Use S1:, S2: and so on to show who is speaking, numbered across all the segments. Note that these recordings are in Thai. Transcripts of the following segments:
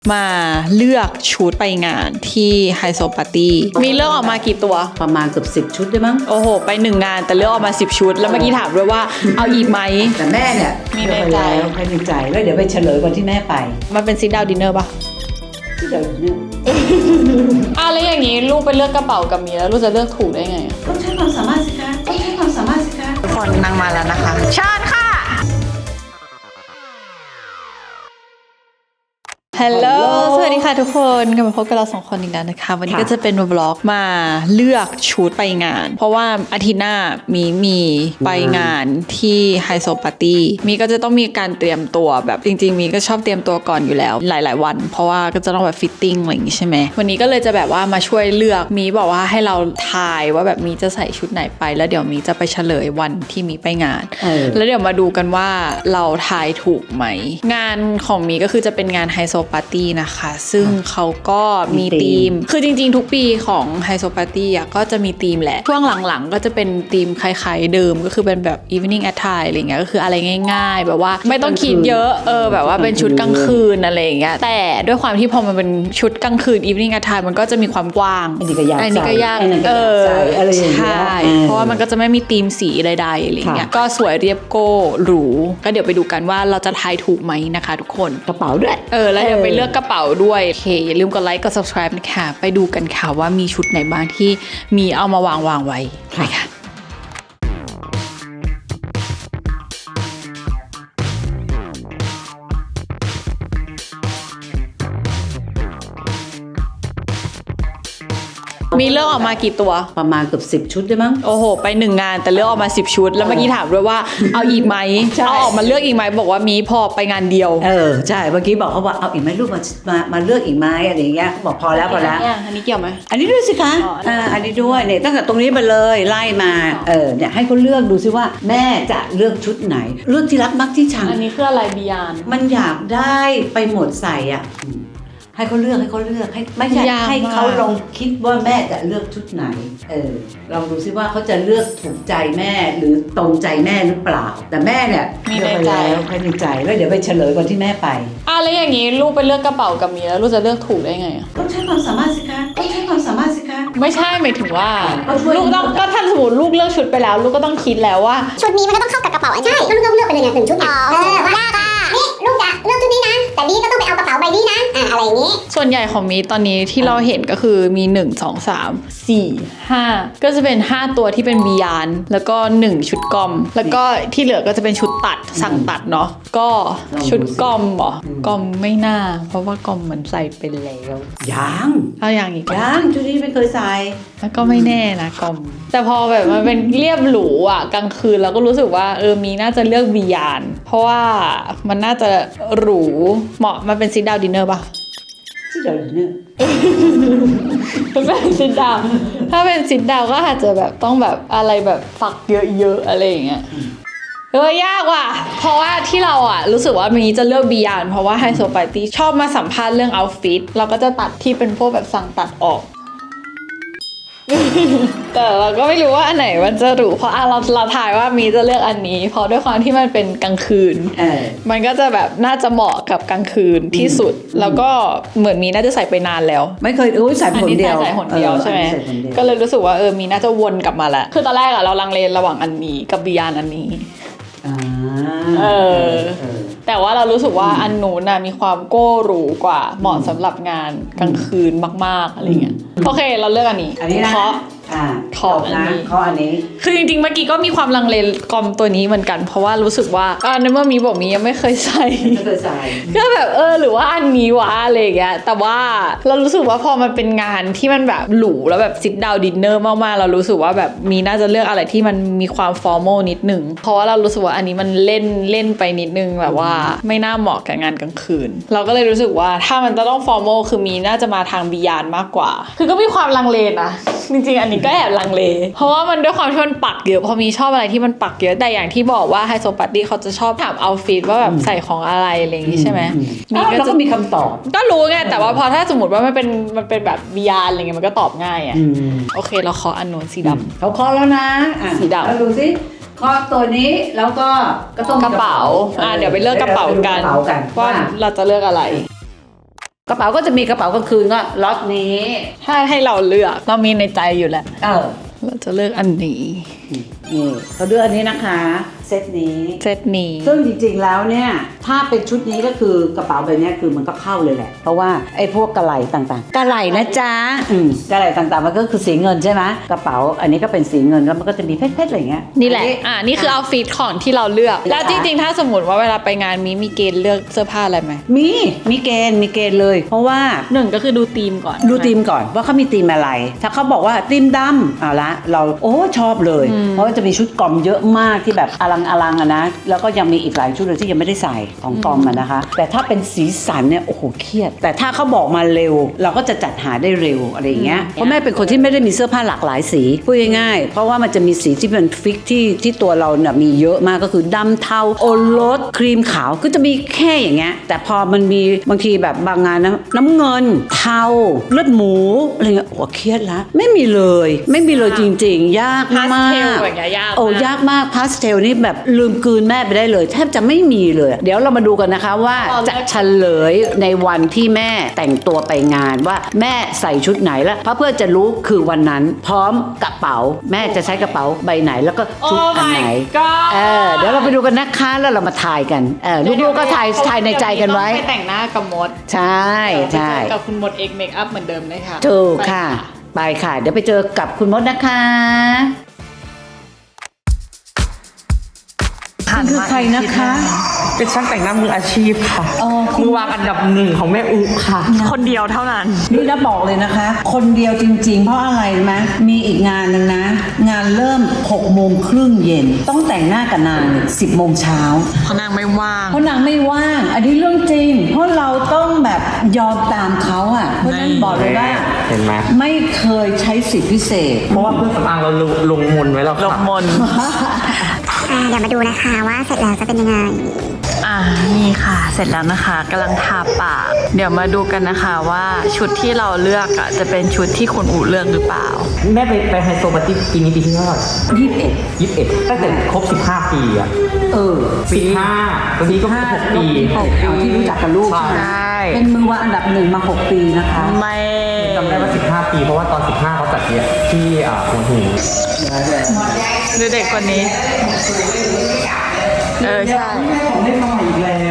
S1: มาเลือกชุดไปงานที่ไฮโซปาร์ตี้มีเลือกออกมากี่ตัว
S2: ประมาณเกือบ10 ชุดได้มั้ง
S1: โอ้โหไป1 งานแต่เลือกออกมา10 ชุดแล้วเมื่อกี้ถามด้วยว่าเอาอีกไหม
S2: แต่แม่เนี่ย
S1: มีในใจ
S2: ให้ในใจแล้วเดี๋ยวไปเฉลยวันที่แม่ไป
S1: มันเป็นซิทดาวน์ดินเนอร์ปะ
S2: ซิทดาวน์ดินเนอร์
S1: แล้วอย่างนี้ลูกไปเลือกกระเป๋ากับมีแล้วลูกจะเลือกถูกได้ไง
S2: ต้องใช้ความสามารถสิคะต้องใช้ความสามารถสิคะ
S1: ทุกคนนั่งมาแล้วนะคะเชิญค่ะฮัลโหลสวัสดีค่ะทุกคนกลับมาพบกับเรา2 คนอีกแล้วนะคะวันนี้ก็จะเป็นวล็อกมาเลือกชุดไปงานเพราะว่าอาทิตย์หน้ามีไปงานที่ไฮโซปาร์ตี้มีก็จะต้องมีการเตรียมตัวแบบจริงๆมีก็ชอบเตรียมตัวก่อนอยู่แล้วหลายๆวันเพราะว่าก็จะต้องแบบฟิตติ้งอะไรอย่างงี้ใช่ไหมวันนี้ก็เลยจะแบบว่ามาช่วยเลือกมีบอกว่าให้เราทายว่าแบบมีจะใส่ชุดไหนไปแล้วเดี๋ยวมีจะไปเฉลยวันที่มีไปงานแล้วเดี๋ยวมาดูกันว่าเราทายถูกไหมงานของมีก็คือจะเป็นงานไฮโซปาร์ตี้นะคะซึ่งเขาก็มีธีมคือจริงๆทุกปีของไฮโซปาร์ตี้อ่ะก็จะมีธีมแหละช่วงหลังๆก็จะเป็นธีมคล้ายๆเดิมก็คือเป็นแบบ evening attire อะไรเงี้ยก็คืออะไรง่ายๆแบบว่าไม่ต้องคิดเยอะแบบว่าเป็นชุดกลางคืนอะไรอย่างเงี้ยแต่ด้วยความที่พอมันเป็นชุดกลางคืน evening attire มันก็จะมีความกว้าง
S2: อันนี้ก็ยาก
S1: อะไรอย่างเงี้ยใช่เพราะว่ามันก็จะไม่มีธีมสีใดๆอะไรเงี้ยก็สวยเรียบโก้หรูก็เดี๋ยวไปดูกันว่าเราจะทายถูกไหมนะคะทุกคน
S2: กระเป๋าด้วย
S1: แล้วเดี๋ยวไปเลือกกระเป๋าด้วยโอเคอย่าลืมกดไลค์กด subscribe นะคะไปดูกันค่ะว่ามีชุดไหนบ้างที่มีเอามาวางไว้ค่ะมีเลือกออกมากี่ตัว
S2: ประมาณเกือบ10 ชุดได้มั้ง
S1: โอ้โหไป1 งานแต่เลือกออกมา10 ชุดแล้วเมื่อกี้ถามด้วยว่าเอาอีกไหมเอาออกมาเลือกอีกไหมบอกว่ามีพอไปงานเดียว
S2: ใช่เมื่อกี้บอกเขาว่าเอาอีกไหมลูกมาเลือกอีกไหมอะไรอย่างเงี้ยบอกพอแล้ว
S1: อันนี้เกี่ยวไหม
S2: อันนี้ด้วยสิคะอันนี้ด้วยเนี่ยตั้งแต่ตรงนี้มาเลยไล่มาเนี่ยให้เขาเลือกดูซิว่าแม่จะเลือกชุดไหนเลือกที่รักมักที่ชัง
S1: อันนี้คืออะไรบียาน
S2: มันอยากได้ไปหมดใส่อ่ะให้เขาเลือกให้ไม่ใช่ให้เขาลองคิดว่าแม่จะเลือกชุดไหนลองดูซิว่าเขาจะเลือกถูกใจแม่หรือตรงใจแม่หรือเปล่าแต่แม่เนี่ย
S1: มีในใจ
S2: แล้วเดี๋ยวไปเฉลยวันที่แม่ไป
S1: แล้วอย่างนี้ลูกไปเลือกกระเป๋ากับมีแล้วลูกจะเลือกถูกได้ไง
S2: ต้องใช้ความสามารถสิคะต้องใช้ความสามารถสิคะ
S1: ไม่ใช่หมายถึงว่าลูกต้องก็ถ้าสมมติลูกเลือกชุดไปแล้วลูกก็ต้องคิดแล้วว่า
S3: ชุดนี้มันก็ต้องเข้ากับกระเป๋าใช่ลูกต้องเลือกไปเลย1 ชุดยากนี่ลูกจะเลือกชุดนี้นะแต่นี่ก็ต้องไปเอากระเป๋าใบนี้นะอะไรอย่างนี้
S1: ส่วนใหญ่ของมีตอนนี้ที่เราเห็นก็คือมี1 2 3 4 5ก็จะเป็น5ตัวที่เป็นบียานแล้วก็1ชุดกอมแล้วก็ที่เหลือก็จะเป็นชุดตัดสั่งตัดเนาะก็ชุดกอมเหรอกอมไม่น่าเพราะว่ากอมเหมือนใส่เป็นแล้ว
S2: ยัง
S1: เอาอย่างอีก
S2: ยังชุดนี้ไม่เคยใส่
S1: แล้วก็ไม่แน่นะกอมแต่พอแบบมันเป็นเรียบหรูอ่ะกลางคืนเราก็รู้สึกว่ามีน่าจะเลือกบียานเพราะว่ามันน่าจะหรูเหมาะมันเป็นซิทดาวน์ดินเนอร์ป่ะ
S2: ซิทดาวน์ดินเนอร์
S1: เป็นซิทดาวน์ถ้าเป็นซิทดาวน์ก็อาจจะแบบต้องแบบอะไรแบบฝักเยอะๆอะไรอย่างเงี้ยยากว่ะเพราะว่าที่เรารู้สึกว่ามีจะเลือกบียานเพราะว่าไฮโซปาร์ตี้ชอบมาสัมภาษณ์เรื่องเอาท์ฟิตเราก็จะตัดที่เป็นพวกแบบสั่งตัดออกแต่เราก็ไม่รู้ว่าอันไหนมันจะหรูเพราะเราถ่ายว่ามีจะเลือกอันนี้เพราะด้วยความที่มันเป็นกลางคืนมันก็จะแบบน่าจะเหมาะกับกลางคืนที่สุดแล้วก็เหมือนมีน่าจะใส่ไปนานแล้ว
S2: ไม่เคยใส่ผลเดียว
S1: ใส่ผลเดียวใช่ไหมก็เลยรู้สึกว่ามีน่าจะวนกลับมาแล้วคือตอนแรกเราลังเลระหว่างอันนี้กับบียานอันนี้แต่ว่าเรารู้สึกว่าอันนู้นมีความโก้หรูกว่าเหมาะสำหรับงานกลางคืนมากๆอะไรเงี้ยโอเคเราเลือกอันนี้
S2: นะ
S1: ขออันนี้คือจริงๆเมื่อกี้ก็มีความลังเลกอมตัวนี้เหมือนกันเพราะว่ารู้สึกว่าในเมื่อมีบอกมียังไม่เคยใส่ก็แบบหรือว่าอันนี้วะอะไรอย่างเงี้ยแต่ว่าเรารู้สึกว่าพอมันเป็นงานที่มันแบบหรูแล้วแบบซิทดาวน์ดินเนอร์มากๆเรารู้สึกว่าแบบมีน่าจะเลือกอะไรที่มันมีความฟอร์มอลนิดนึงเพราะว่าเรารู้สึกว่าอันนี้มันเล่นไปนิดนึงแบบว่าไม่น่าเหมาะกับงานกลางคืนเราก็เลยรู้สึกว่าถ้ามันจะต้องฟอร์มอลคือมีน่าจะมาทางบียานมากกว่าคือก็มีความลังเลนะจริงๆอันนี้ก็แอบลังเลเพราะว่ามันด้วยความที่มันปักเยอะพอมีชอบอะไรที่มันปักเยอะแต่อย่างที่บอกว่าไฮโซปาร์ตี้เขาจะชอบถามเอาท์ฟิตว่าแบบใส่ของอะไรอะไรอย่างงี้ใช่ไหม
S2: เราก็มีคำตอบ
S1: ก็รู้ไงแต่ว่าพอถ้าสมมติว่ามันเป็นแบบบียานอะไรเงี้ยมันก็ตอบง่ายโอเคเราขออันนู้นสีดำ
S2: เขาขอแล้วนะ
S1: สีดำ
S2: เราดูสิขอตัวนี้แล้วก็
S1: ต้องกระเป๋าเดี๋ยวไปเลือกกระเป๋ากันว่าเราจะเลือกอะไร
S2: กระเป๋าก็จะมีกระเป๋ากลางคืนก็ล็อตนี้
S1: ถ้าให้เราเลือกเรามีในใจอยู่แล้ว
S2: เออ
S1: เราจะเลือกอันนี้
S2: นี่เขาเลือกอันนี้นะคะเซตนี้
S1: เซตนี้
S2: ซึ่งจริงๆแล้วเนี่ยถ้าเป็นชุดนี้ก็คือกระเป๋าใบเนี้ยคือมันก็เข้าเลยแหละเพราะว่าไอ้พวกกระไหล่ต่างๆกระไหล่นะจ๊ะกระไหล่ต่างๆมันก็คือสีเงินใช่ไหมกระเป๋าอันนี้ก็เป็นสีเงินแล้วมันก็จะมีเพชรๆอะไรอย่างเงี้ย
S1: นี่แหละนี่คือเอาฟิตของที่เราเลือก แล้วจริงๆถ้าสมมติว่าเวลาไปงานมีเกณฑ์เลือกเสื้อผ้าอะไรไหม
S2: มีเกณฑ์เลย เพราะว่า
S1: หนึ่งก็คือดูธีมก่อน
S2: ดูธีมก่อนว่าเขามีธีมอะไร ถ้าเขาบอกว่าธีมดำเอาละเราชอบเลย เพราะว่าจะมีชุดกอมเยอะมากที่แบบอลังอะนะแล้วก็ยังมีอีกหลายชุดเลยที่ยังไม่ได้ใส่ของกอมอะนะคะ แต่ถ้าเป็นสีสันเนี่ยโอ้โหเครียด แต่ถ้าเขาบอกมาเร็ว เราก็จะจัดหาได้เร็วอะไรอย่างเงี้ยเพราะแม่เป็นคนที่ไม่ได้มีเสื้อผ้าหลากหลายสีพูดง่ายๆเพราะว่ามันจะมีสีที่เป็นฟิกที่ตัวเราเนี่ยมีเยอะมากก็คือดำเทาโอรสครีมขาวก็จะมีแค่อย่างเงี้ยแต่พอมันมีบางทีแบบบางงานน้ำเงินเทาเลือดหมูอะไรเงี้ยโอ้เครียดละไม่มีเลยจริงๆยากมาก
S1: พาสเทลอย่างเงี้ยยากมาก
S2: โอ้ยากมากพาสเทลนี่แบบลืมกลืนแม่ไปได้เลยแทบจะไม่มีเลย เดี๋ยวเรามาดูกันนะคะว่าจะเฉลยในวันที่แม่แต่งตัวไปงานว่าแม่ใส่ชุดไหนแล้วเพื่อจะรู้คือวันนั้นพร้อมกระเป๋าแม่จะใช้กระเป๋าใบไหนแล้วก็ชุดอันไหน เดี๋ยวเราไปดูกันนะคะแล้วเรามาทายกันลูกๆก็ทายในใจกันไว้
S1: ไปแต่งหน้ากับมด
S2: ใช่ใช่
S1: ไปเจอกับคุณมดเอกเมคอัพเหมือนเดิมเลยค่ะ
S2: ถูกค่ะไปค่ะเดี๋ยวไปเจอกับคุณมดนะคะคือใครนะคะ
S4: เป็นช่างแต่งหน้ามืออาชีพค่ะ มือวางอันดับหนึ่งของแม่อุค่ะ คนเดียวเท่านั้น
S2: นี่นะบอกเลยนะคะ คนเดียวจริงๆ เพราะอะไรรู้ไหมมีอีกงานหนึ่งนะ งานเริ่ม6:30 เย็นต้องแต่งหน้ากับนาง10 โมงเช้า
S1: เพราะนางไม่ว่าง
S2: เพราะนางไม่ว่าง อันนี้เรื่องจริง เพราะเราต้องแบบยอมตามเขาอ่ะเพราะฉะนั้นบอกเลยว่า
S4: เห็นไหม
S2: ไม่เคยใช้สิทธิพิเศษ
S4: เพราะว่าเครื่องสำอางเราลงมนไว้แล้วค่ะ
S1: ลงมน
S3: เดี๋ยวมาดูนะคะว่าเสร็จแล้วจะเป็นยังไง
S1: นี่ค่ะ เสร็จแล้วนะคะกำลังทาปาก เดี๋ยวมาดูกันนะคะว่าชุดที่เราเลือกจะเป็นชุดที่คุณอู๋เลือกหรือเปล่า
S4: แม่ไปไฮโซปาร์ตี้ปีนี้ปีที่เท่าไหร่21ตั้งแต่ครบ15 ปีอะ15วันนี้ก็6 ปี
S2: เอาที่รู้จักกับลูก
S4: ใช่
S1: ใช่
S2: เป็นมือวางอันดับ1 มา 6 ปีนะคะ
S1: ไม่
S4: จำได้ว่า15 ปี เพราะว่าตอน15เขาจัดเนี่ยที่หัวหิน
S1: ดูเด็กคนนี้ ใช่
S2: ของไม่พออีกแล้ว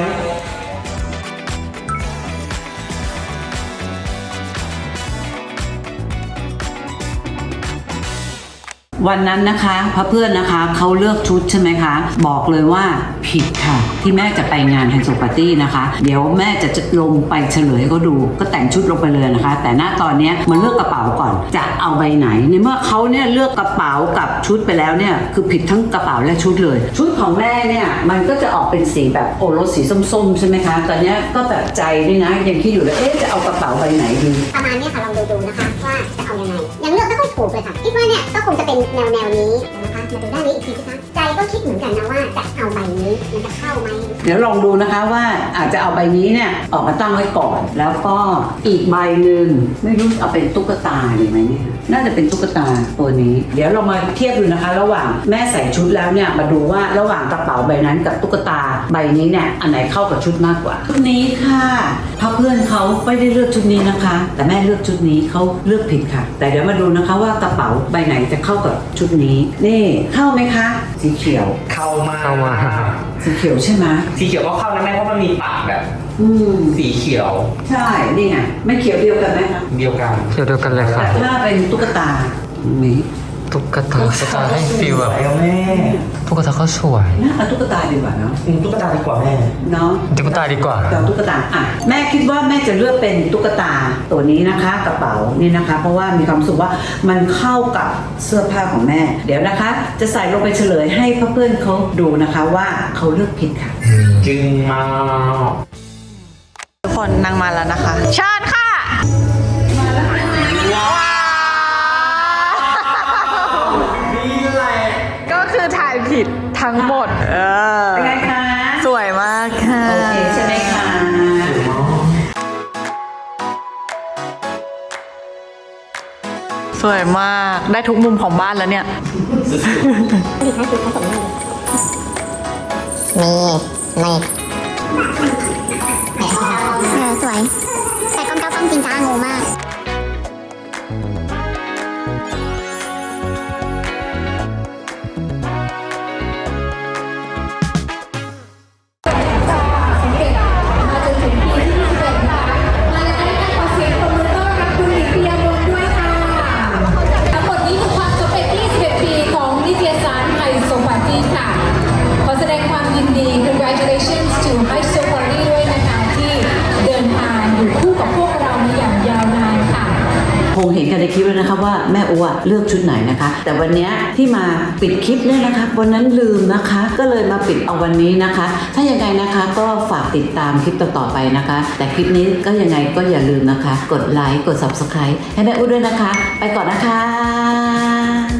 S2: วันนั้นนะคะเพื่อนนะคะเขาเลือกชุดใช่ไหมคะบอกเลยว่าผิดค่ะที่แม่จะไปงานไฮโซปาร์ตี้นะคะเดี๋ยวแม่จะลงไปเฉลยให้เขาดูก็แต่งชุดลงไปเลยนะคะ แต่ณตอนนี้มันเลือกกระเป๋าก่อนจะเอาใบไหนในเมื่อเขาเนี่ยเลือกกระเป๋ากับชุดไปแล้วเนี่ยคือผิดทั้งกระเป๋าและชุดเลยชุดของแม่เนี่ยมันก็จะออกเป็นสีแบบโอรสสีส้มๆใช่ไหมคะตอนนี้ก็แบบใจนี่นะยังคิดอยู่เลยจะเอากระเป๋าใบไหนดี
S3: ประมาณเนี้ยค่ะลองดูนะคะว่าจะเอายังไงยังเลือกไม่ค่อยถูกเลยค่ะคิดว่าเนี่ยก็คงจะเป็นแนวนี้นะคะมาดูด้านนี้อีกทีนะคะใจก็คิดเหมือนกันนะว่าจะเอาใบนี้มันจะเข้าไหม
S2: เดี๋ยวลองดูนะคะว่าอาจจะเอาใบนี้เนี่ยออกมาตั้งไว้ก่อน แล้วก็อีกใบหนึ่งไม่รู้เอาเป็นตุ๊กตาดีไหมเนี่ยน่าจะเป็นตุ๊กตาตัวนี้ เดี๋ยวเรามาเทียบดูนะคะ ระหว่างแม่ใส่ชุดแล้วเนี่ยมาดูว่าระหว่างกระเป๋าใบนั้นกับตุ๊กตาใบนี้เนี่ยอันไหนเข้ากับชุดมากกว่าชุดนี้ค่ะเพราะเพื่อนเขาไม่ได้เลือกชุดนี้นะคะ แต่แม่เลือกชุดนี้เขาเลือกผิดค่ะ แต่เดี๋ยวมาดูนะคะว่ากระเป๋าใบไหนจะเข้ากับชุดนี้นี่เข้าไหมคะสีเขียว
S4: เข้ามา
S2: สีเขียวใช่ไหม
S4: สีเขียวก็เข้านะแม่เพราะมันมีปากแบบ สีเขียว
S2: ใช่ นี่ไง ไม่เขียวเดียวกันไหมคะ
S4: เดียวกัน
S5: เดียวกันเลยค่ะ
S2: แต่ถ้าเป็นตุ๊กตานี่
S5: ตุ๊กตาจะให้ฟีลแบบ
S4: สวยอะแม่
S5: ตุ๊กตาเขาสวย
S2: น่าเอาตุ๊กตาดีกว่าเนาะ
S4: ตุ๊กตาดีกว่าแม่
S2: เนาะ
S5: ตุ๊กตาดีกว่า
S2: เอาตุ๊กตาอ่ะแม่คิดว่าแม่จะเลือกเป็นตุ๊กตาตัวนี้นะคะกระเป๋านี่นะคะ เพราะว่ามีความรู้สึกว่ามันเข้ากับเสื้อผ้าของแม่ เดี๋ยวนะคะ จะใส่ลงไปเฉลยให้เพื่อนๆเขาดูนะคะว่าเขาเลือกผิดค่ะ
S4: จึงมา
S1: ทุกคนนั่งมาแล้วนะคะเชิญค่ะ
S4: นี่แหละ
S1: ก็คือถ่ายผิดทั้งหมด
S2: เป็นไงคะ
S1: สวยมากค่ะ
S2: โอเคใช่ไหมคะ
S1: สวยมากได้ทุกมุมของบ้านแล้วเนี่ย
S3: สวย แต่ต้องจริงจ้างงมาก
S6: ทั้งหมดนี้คือความสำเร็จ21 ปีของนิตยสารไฮโซปาร์ตี้ค่ะ ขอแสดงความยินดี congratulations to ไฮโซปาร์ตี้ด้วยนะคะที่เดินทางอยู่คู่กับพวกเรามาอย่างยาวนานค่ะ
S2: คงเห็นกันในคลิปแล้วนะคะว่าแม่อัวเลือกชุดไหนนะคะ แต่วันนี้ที่มาปิดคลิปเนี่ยนะคะวันนั้นลืมนะคะ ก็เลยมาปิดเอาวันนี้นะคะ ถ้ายังไงนะคะก็ฝากติดตามคลิปต่อๆไปนะคะ แต่คลิปนี้ก็ยังไงก็อย่าลืมนะคะ กดไลค์กด subscribe ให้แม่อัวด้วยนะคะ ไปก่อนนะคะ